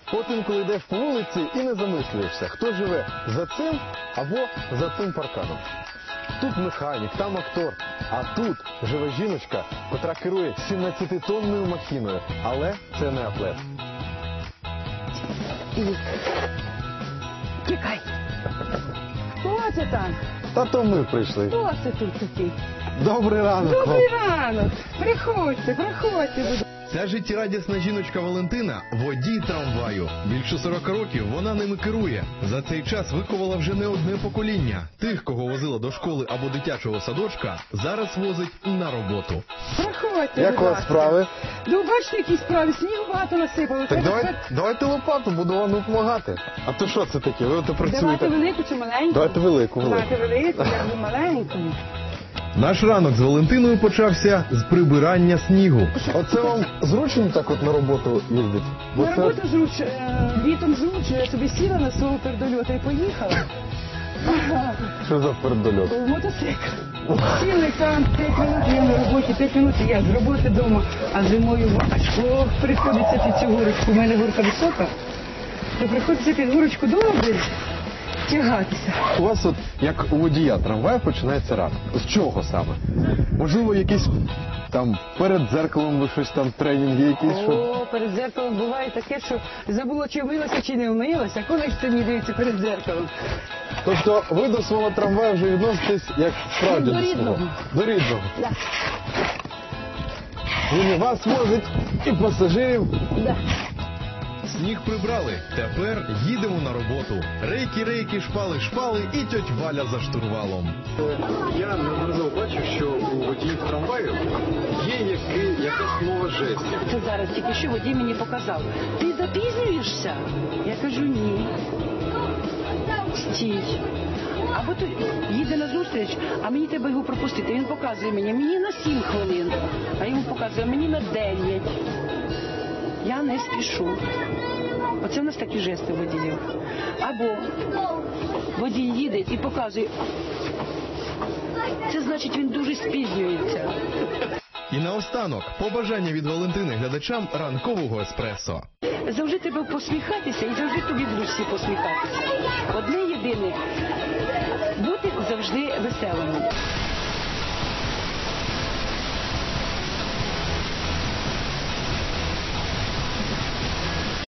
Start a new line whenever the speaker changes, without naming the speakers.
Потім, коли йдеш по вулиці і не замислюєшся, хто живе за цим або за цим парканом. Тут механік, там актор, а тут живе жіночка, котра керує 17-тонною махіною. Але це не атлет.
Тікай. Хто це там?
Та то ми прийшли.
Хто це тут такий?
Добрий ранок.
Добрий ранок. Приходьте, приходьте.
Ця життєрадісна жіночка Валентина – водій трамваю. Більше 40 років вона ними керує. За цей час виховала вже не одне покоління. Тих, кого возила до школи або дитячого садочка, зараз возить на роботу.
Приходьте,
Як у вас справи?
Ну, бачите, які справи, снігу багато насипало.
Так давайте лопату, буду вам допомагати. А то що це таке? Ви от працюєте?
Давайте велику чи маленьку?
Давайте велику.
Давайте велику, я буду маленьку.
Наш ранок з Валентиною почався з прибирання снігу.
Оце вам зручно так от на роботу їздити?
На роботу жруч, літом жруч, я собі сіла на свого передольота і поїхала.
Що за передольот?
Мотоцикл. Сіли там 5 минут, я на роботі, 5 минут я з роботи вдома, а зимою важко приходиться під цю горочку, у мене горка висока, то приходиться під горочку добре тягатися.
У вас от, як у водія трамваю, починається ранок. З чого саме? Можливо, якісь там перед дзеркалом ви щось там, тренінги якісь?
О, перед дзеркалом буває таке, що забула, чи вмилася, чи не вмилася. Коли ж це мені дивиться перед дзеркалом?
Тобто ви до свого трамваю вже відноситесь як справді
До
свого?
рідного.
До рідного.
Да.
Він і вас возить, і пасажирів.
Да.
Сніг прибрали, тепер їдемо на роботу. Рейки, шпали і тьоть Валя за штурвалом.
Я неодноразово бачу, що у водіїв трамваю є якась мова жестів.
Це зараз тільки що водій мені показав. Ти запізнюєшся? Я кажу, ні. Стій. Або то їде на зустріч, а мені треба його пропустити. Він показує мені на 7 хвилин, а йому показує мені на 9. Я не спішу. Оце в нас такі жести водіїв. Або водій їде і показує. Це значить, він дуже спізнюється.
І наостанок, побажання від Валентини глядачам ранкового еспресо.
Завжди треба посміхатися і завжди тобі будуть всі посміхатися. Одне єдине – бути завжди веселим.